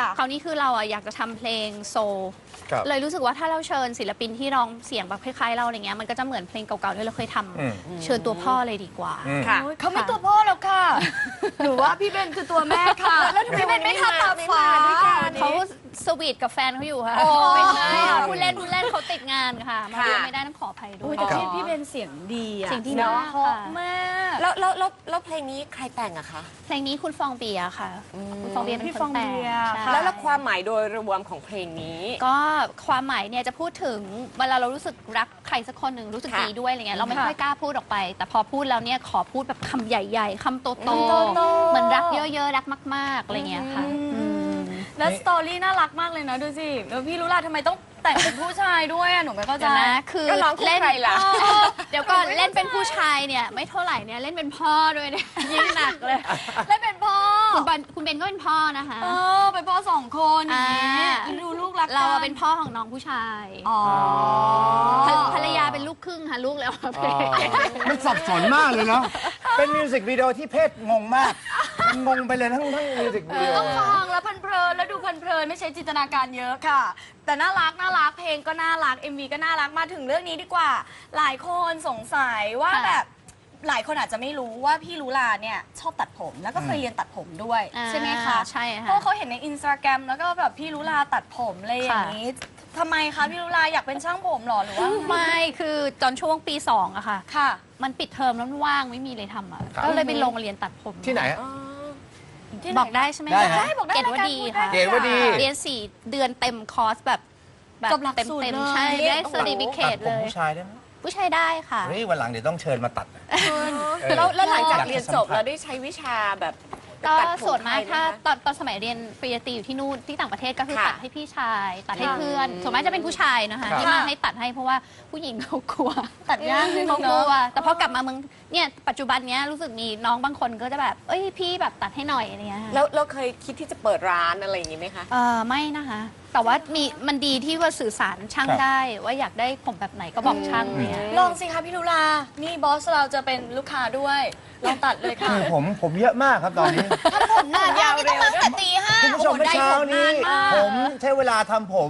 ค่ะคราวนี้คือเราอะอยากจะทำเพลงโซลเลยรู้สึกว่าถ้าเราเชิญศิลปินที่ร้องเสียงแบบคล้ายๆเราอะไรเงี้ยมันก็จะเหมือนเพลงเก่าๆที่เราเคยทำเชิญตัวพ่อเลยดีกว่าค่ะเขาไม่ตัวพ่อแล้วค่ะหรือว่าพี่เบนคือตัวแม่ค่ะแล้วทำไมพี่เบนไม่ทำตามฟ้าเขาสวีทกับแฟนเขาอยู่ค่ะไม่ใช่ค่ะพูดเล่นเขาติดงานค่ะมาเรียนไม่ได้ต้องขออภัยด้วยแต่พี่เบนเสียงดีอะเสียงดีมากเพราะค่ะมากแล้วเพลงนี้ใครแต่งอะคะเพลงนี้คุณฟองเบียร์ค่ะคุณฟองเบียร์เป็นพี่คฟอน งแต่งเบียร์ใช่ค่ะแล้วความหมายโดยรวมของเพลงนี้ก็ความหมายเนี่ยจะพูดถึงเวลาเรารู้สึกรักใครสักคนหนึ่งรู้สึกดีด้วยอะไรเงี้ยเราไม่ค่อยกล้าพูดออกไป แต่พอพูดแล้วเนี่ยขอพูดแบบคำใหญ่ ๆคำโตๆเหมือนรักเยอะๆรักมากๆอะไรเงี้ยค่ะมแล้วสตอรี่น่ารักมากเลยนะดูสิแล้วพี่รู้ล่ะทำไมต้องแต่งเป็นผู้ชายด้วยอะหนูไม่เข้าใจเดี๋ยวนะคือก็ร้องคู่เล่นใครล่ะเดี๋ยวก่อนเล่นเป็นผู้ชายเนี่ยไม่เท่าไหร่เนี่ยเล่นเป็นพ่อด้วยเนี่ยยิ่งหนักเลยเล่นเป็นพ่อคุณเบนก็เป็นพ่อนะคะเป็นพ่อสองคนอย่างนี้อ่าดูลูกรักกันเราอะเป็นพ่อของน้องผู้ชายอ๋อภรรยาเป็นลูกครึ่งค่ะลูกแล้วค่ะมันสับสนมากเลยเนาะ เป็นมิวสิกวิดีโอที่เพศงงมากมันงงไปเลยทั้งมิวสิกวิดีโอต้องฟังแล้วเพลินๆแล้วดูเพลินๆไม่ใช้จินตนาการเยอะค่ะ แต่น่ารักเพลงก็น่ารัก MV ก็น่ารักมาถึงเรื่องนี้ดีกว่า หลายคนสงสัยว่าแบบหลายคนอาจจะไม่รู้ว่าพี่ลุลาเนี่ยชอบตัดผมแล้วก็เคยเรียนตัดผมด้วยใช่ไหมคะใช่เพค่ะราะเขาเห็นในอินสตาแกรมแล้วก็แบบพี่ลุลาตัดผมอะไรอย่างนี้ทำไมคะพี่ลุลาอยากเป็นช่างผมเหรอหรือว่าไม่คือตอนช่วงปี2อะค่ะค่ะมันปิดเทอมแล้วมันว่างไม่มีเลยทำอะก็เลยไปลงเรียนตัดผมที่ไหนฮะบอกได้ใช่ไหมได้ฮะบอกได้เกรดว่าดีค่ะเกรดว่าดีเรียน4 เดือนเต็มคอร์สแบบจบหลักเต็มสูตรเต็มเลยใช่ได้เซอร์ติฟิเคตัดตผมเลยผู้ชายได้ไหมผู้ชายได้ค่ะเฮ้ยวันหลังเดี๋ยวต้องเชิญมาตัดแล้วหลังจากอยากจะเรียนจบสัมผัสเราได้ใช้วิชาแบบก็ตัดผมส่วนมากไทยไหถ้าคะตอนสมัยเรียนปริญญาตรีอยู่ที่นู่นที่ต่างประเทศก็คือค่ะตัดให้พี่ชายตัดให้เพื่อนส่วนมากจะเป็นผู้ชายนะคะครับที่มาให้ตัดให้เพราะว่าผู้หญิงเขากลัวตัดยากนิดนึเขางกลัเนาะวแต่พอกลับมาเมืองเนี่ยปัจจุบันเนี้ยรู้สึกมีน้องบางคนก็จะแบบเอ้ยพี่แบบตัดให้หน่อยอะไรเงี้ยค่ะแล้วเราเคยคิดที่จะเปิดร้านอะไรอย่างนี้ไหมคะไม่นะคะ แต่ว่ามันดีที่ว่าสื่อสารช่างครับได้ว่าอยากได้ผมแบบไหนก็บอกช่างเนี่ยลองสิคะพี่ลุลา นี่บอสเราจะเป็นลูกค้าด้วย ลองตัดเลยค่ะคือผมเยอะมากครับตอนนี้ผมนานมากนี่ต้องมาตั้งแต่ตีห้าคุณผู้ชมเมื่อเช้านี้โอ้โหได้ผมนานมากผมใช้เวลาทำผม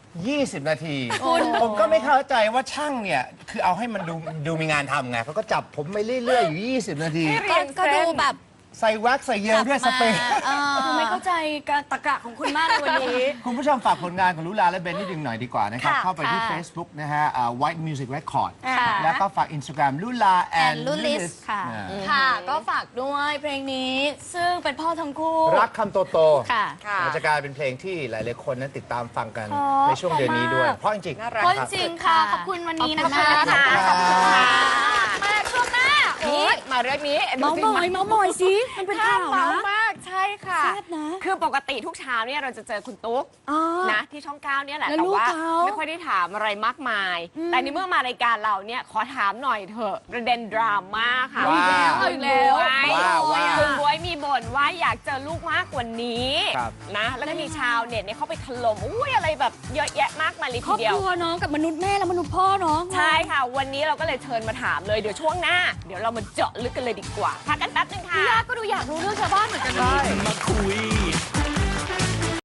20 นาที ผมก็ไม่เข้าใจว่าช่างเนี่ย คือเอาให้มันดูมีงานทำไงเขาก็จับผมไปเรื่อยๆ อยู่ 20 นาทีก็ดูแบบใส่แว็กซ์ใส่เยลด้วยสเปรย์คือไม่เข้าใจการตะกะของคุณมากในวันนี้คุณผู้ชมฝากผลงานของลุลาและเบนนิดนึงหน่อยดีกว่านะครับค่ะเข้าไปที่ค่ะ Facebook นะฮะWhite Music Record ค่ะแล้วก็ฝาก Instagram ลุลา and Lulis Lulis ค่ะค่ะ ก็ฝากด้วยเพลงนี้ ซึ่งเป็นพ่อทั้งคู่รักคำโตๆค่ะค่ะมันจะกลายเป็นเพลงที่หลายๆคนนั้นติดตามฟังกันอ๋อในช่วงเดือนนี้ด้วยขอบคุณมากเพราะจริงๆน่ารักเพราะจริงๆค่ะ ขอบคุณวันนี้นะคะขอบคุณค่ะมาช่วงหน้านี่มาเรื่องนี้เมาส์มอยสิมันเป็นข่าวเมานะมากใช่ค่ะแซ่บนะคือปกติทุกเช้าเนี่ยเราจะเจอคุณตุ๊กอ๋อนะที่ช่อง9เนี่ยแหละแล้วแต่ลูกว่าเขาไม่ค่อยได้ถามอะไรมากมาย แต่ในเมื่อมารายการเราเนี่ยขอถามหน่อยเถอะประเด็นดราม่าค่ะว้าวเอาอีกแล้วว้าวคุณบ๊วยมีบ่นว่าอยากเจอลูกมากกว่านี้ครับนะแล้วก็มีชาวเน็ตเนี่ยเขาไปถล่มอุ้ยอะไรแบบเยอะแยะมากมายเลยครทีอบเดียคว รัวน้องกับมนุษย์แม่และมนุษย์พ่อน้องใช่ค่ะ วันนี้เราก็เลยเชิญมาถามเลยเดี๋ยวช่วงหน้า เดี๋ยวเรามาเจาะลึกกันเลยดีกว่าพักกันแป๊บนึงค่ะพี่ยาก็ดูอยากรู้เรื่องชาวบ้านเหมือนกันนะมาคุย